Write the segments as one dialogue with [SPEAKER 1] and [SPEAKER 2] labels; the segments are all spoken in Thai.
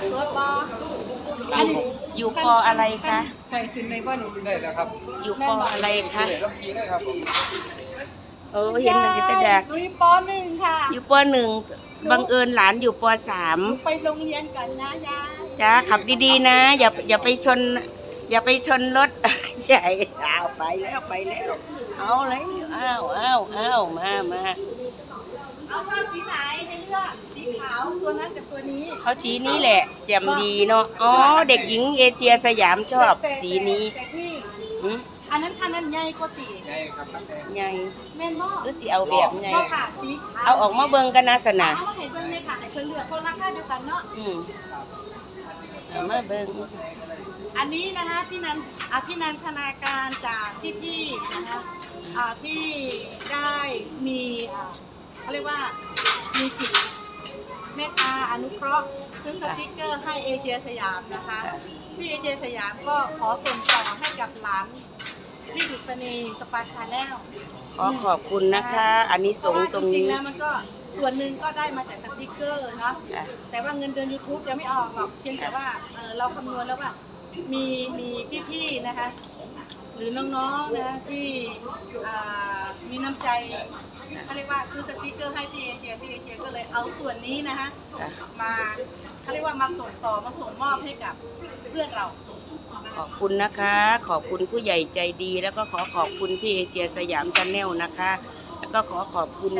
[SPEAKER 1] สดบอ
[SPEAKER 2] อยู่ปออะไรคะ
[SPEAKER 1] ใครขึ้นในบ้าน
[SPEAKER 3] ได้แล้วครับ
[SPEAKER 2] อยู่ปออะไรคะ
[SPEAKER 3] เดี๋ยวต้องกินได้ครับผม
[SPEAKER 2] เห็นหนังจะดัก
[SPEAKER 1] ลุยปหนึ่งค่ะ
[SPEAKER 2] อยู่ปหนึ่งบังเอิญหลานอยู่ปสาม
[SPEAKER 1] ไปโรงเรียนกันนะยาย
[SPEAKER 2] จ้าขับดีๆนะอย่าไปชน อย่าไปชนรถ ใหญ่ไปแล้วเอาเลยเอามา
[SPEAKER 1] เอาชอบสีไหนให้เลือกสีขาวตัวนั้นกับตัวนี้
[SPEAKER 2] เขาสีนี้แหละแจ่มดีเนาะเด็กหญิงเอเชียสยามชอบสีนี้
[SPEAKER 1] แต่พี่
[SPEAKER 2] อัน
[SPEAKER 1] นั้นใหญ่กว่าตี
[SPEAKER 3] ใหญ่ครับ
[SPEAKER 2] ใหญ่
[SPEAKER 1] แม่นบ่
[SPEAKER 2] หรือสิเอาแบบใหญ่
[SPEAKER 1] ค่ะสีขาว
[SPEAKER 2] เอาออกมาเบิ่งกันนะสนะ
[SPEAKER 1] เอามาให้เบิ่งเลยค่ะให้เพิ่นเลือกคนราคาเดียวกันเนาะ
[SPEAKER 2] เอามาเบิ่ง
[SPEAKER 1] อันนี้นะคะพี่นันธนาการจากพี่ๆนะคะที่ได้มีเขาเรียกว่ามีจิตเมตตาอนุเคราะห์ซื้อสติกเกอร์ให้เอเชียสยามนะคะพี่เอเชียสยามก็ขอส่งต่อให้กับหลานพี่ดุษณีสปาชาแนล
[SPEAKER 2] ขอบคุณนะคะ อันนี้สงตรงนี้
[SPEAKER 1] จริงๆแล้วมันก็ส่วนหนึ่งก็ได้มาจากสติกเกอร์เนาะแต่ว่าเงินเดือน YouTube จะไม่ออกหรอกเพียงแต่ว่าเราคำนวณแล้วว่ามีพี่ๆนะคะหรือน้องๆนะที่มีน้ำใจเขาเรียกว่าซื้อสติกเกอร์ให้พี่เอเชียก็เลยเอาส่วนนี้นะคะมาเขาเรียกว่ามาส่งต่อมาส่งมอบให้กับเพื่อนเรา
[SPEAKER 2] ขอบคุณนะคะ ขอบคุณผู้ใหญ่ใจดี แล้วก็ขอบคุณพี่เอเชียสยามชาแนลนะคะแล้วก็ขอบคุณ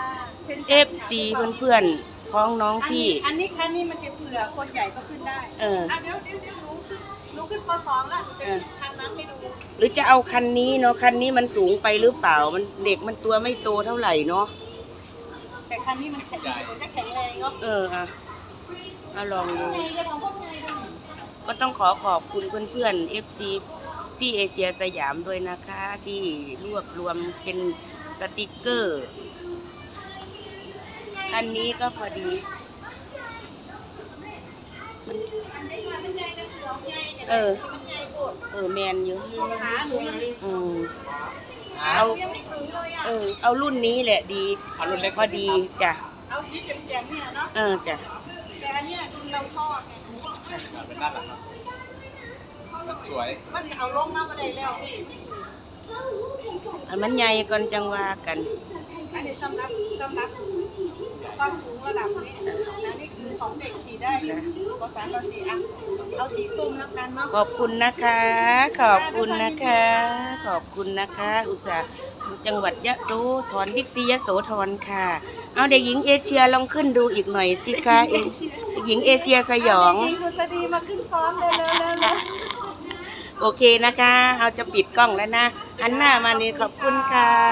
[SPEAKER 2] FC เพื่อนๆของน้องพี่
[SPEAKER 1] อันนี้คันนี้มันจะเผื่อคนใหญ่ก็ขึ้นได้เดี๋ยวรู้ขึ้นป.2 แล้วเป็นคันนั้นไม่รู้
[SPEAKER 2] หรือจะเอาคันนี้เนาะคันนี้มันสูงไปหรือเปล่ามันเด็กมันตัวไม่โตเท่าไหร่เนาะ
[SPEAKER 1] แต่คันนี้มันแข็งแรงเนาะ
[SPEAKER 2] เอาลองดูก็ต้องขอบคุณเพื่อนๆ FC พี่เอเชียสยามด้วยนะคะที่รวบรวมเป็นสติกเกอร์คันนี้ก็พอดีแมนอยู่เอารุ่นนี้แหละดี
[SPEAKER 3] เอารุ่นเล็ก
[SPEAKER 2] พอดีจ้ะ
[SPEAKER 1] เอาสีแจ่มๆเนี่ยเนาะ
[SPEAKER 2] จ้ะ
[SPEAKER 1] แต่อันนี้คือเราชอบไง
[SPEAKER 3] เป็นนั่นแหละครับมันสวย
[SPEAKER 1] มันเอาลงน้ำมาได้แล้วพี่
[SPEAKER 2] มันใหญ่ก่อนจังว่ากัน
[SPEAKER 1] อันนี้สำหรับความสูงระดับนี้อันนี้คือของเด็กขี่ได้ป.3 ป.4เอาสีส้มแล้วกันเนาะ
[SPEAKER 2] ขอบคุณนะคะขอบคุณนะคะอุตส่าห์จังหวัดยะโสธรบิ๊กซียะโสธรค่ะเอาเด็กหญิงเอเชียลองขึ้นดูอีกหน่อยสิคะเด็กหญิงเอเชียสยอง
[SPEAKER 1] เด็กหญิงดุษฎีมาขึ้นซ้อนเลย
[SPEAKER 2] โอเคนะคะเอาจะปิดกล้องแล้วนะหันหน้ามานี่ขอบคุณค่ะ